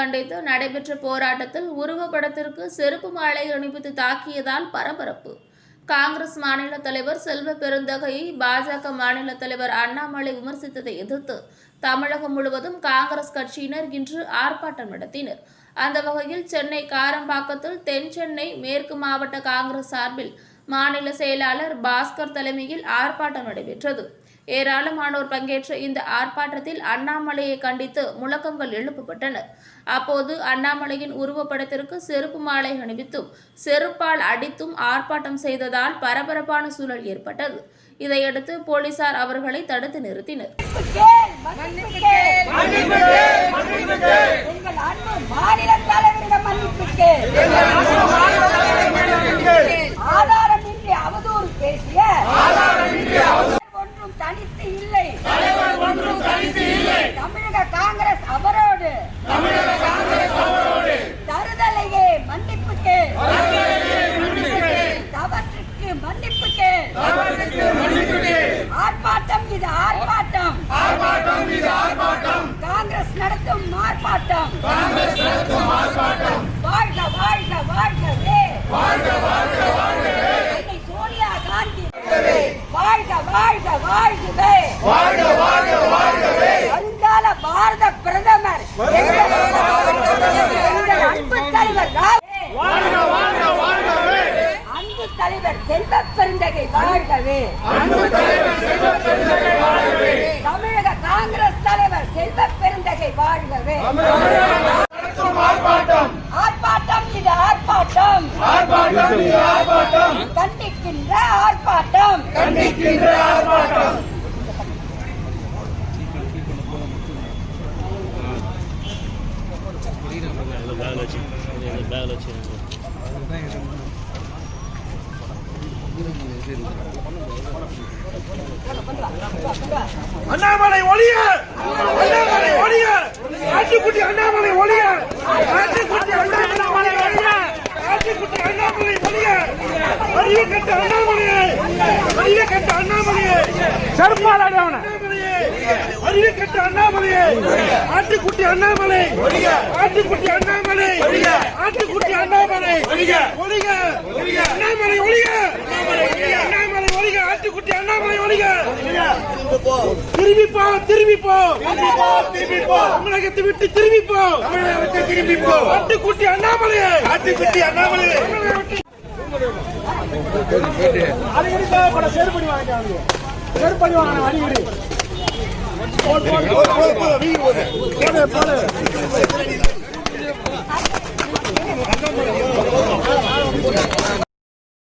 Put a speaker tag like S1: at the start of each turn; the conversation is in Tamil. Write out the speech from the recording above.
S1: கண்டித்து நடைபெற்ற போராட்டத்தில் உருவப்படத்திற்கு செருப்பு மாலை அணிவித்து தாக்கியதால் பரபரப்பு. காங்கிரஸ் மாநில தலைவர் செல்வ பெருந்தகையை பாஜக மாநில தலைவர் அண்ணாமலை விமர்சித்ததை எதிர்த்து தமிழகம் முழுவதும் காங்கிரஸ் கட்சியினர் இன்று ஆர்ப்பாட்டம் நடத்தினர். அந்த வகையில் சென்னை காரம்பாக்கத்தில் தென் சென்னை மேற்கு மாவட்ட காங்கிரஸ் சார்பில் மாநில செயலாளர் பாஸ்கர் தலைமையில் ஆர்ப்பாட்டம் நடைபெற்றது. ஏராளமானோர் பங்கேற்ற இந்த ஆர்ப்பாட்டத்தில் அண்ணாமலையை கண்டித்து முழக்கங்கள் எழுப்பப்பட்டன. அப்போது அண்ணாமலையின் உருவப்படத்திற்கு செருப்பு மாலை அணிவித்தும் செருப்பால் அடித்தும் ஆர்ப்பாட்டம் செய்ததால் பரபரப்பான சூழல் ஏற்பட்டது. இதையடுத்து போலீசார் அவர்களை தடுத்து நிறுத்தினர்.
S2: தமிழக காங்கிரஸ் அவரோடு தருதலையே மன்னிப்புக்கு தவற்றுக்கு மன்னிப்புக்கு ஆர்ப்பாட்டம் இது ஆர்ப்பாட்டம் காங்கிரஸ் நடத்தும் ஆர்ப்பாட்டம் வாழ்க வாழ்க வாழ்கவே சோனியா காந்தி வாழ்க வாழ்க வாழ்கவே வருங்கால பாரத பிரதமர் அன்பு தலைவர் அன்பு தலைவர் செல்வ பெருந்தகை வாழ்கவே தமிழக காங்கிரஸ் தலைவர் செல்வ பெருந்தகை வாழ்கவே ஆர்ப்பாட்டம் இது ஆர்ப்பாட்டம் கண்டிக்கின்ற ஆர்ப்பாட்டம்
S3: அண்ணாமலை ஒழிய ஆட்டுக்குட்டி அண்ணாமலை ஒழிய ஆட்டுக்குட்டி அண்ணாமலை ஒழிய ஆட்டுக்குட்டி அண்ணாமலை ஒழிய அறிவு கட்ட அண்ணாமலையே செருப்பால் அடிவன அறிவு கட்ட அண்ணாமலையே ஆட்டுக்குட்டி அண்ணாமலை ஆட்டுக்குட்டி அண்ணாமலை ஆட்டுக்குட்டி அண்ணாமலை ஒழிக அண்ணாமலை ஒழிக அண்ணாமலை ஒழிக ஆட்டுக்குட்டி அண்ணாமலை ஒழிக திரும்பி போ தமிழகத்தை விட்டு திரும்பி போ ஆட்டுக்குட்டி அண்ணாமலையே அடிக்கடி தேவைப்பட செருப்படி வாங்க அடிக்கடி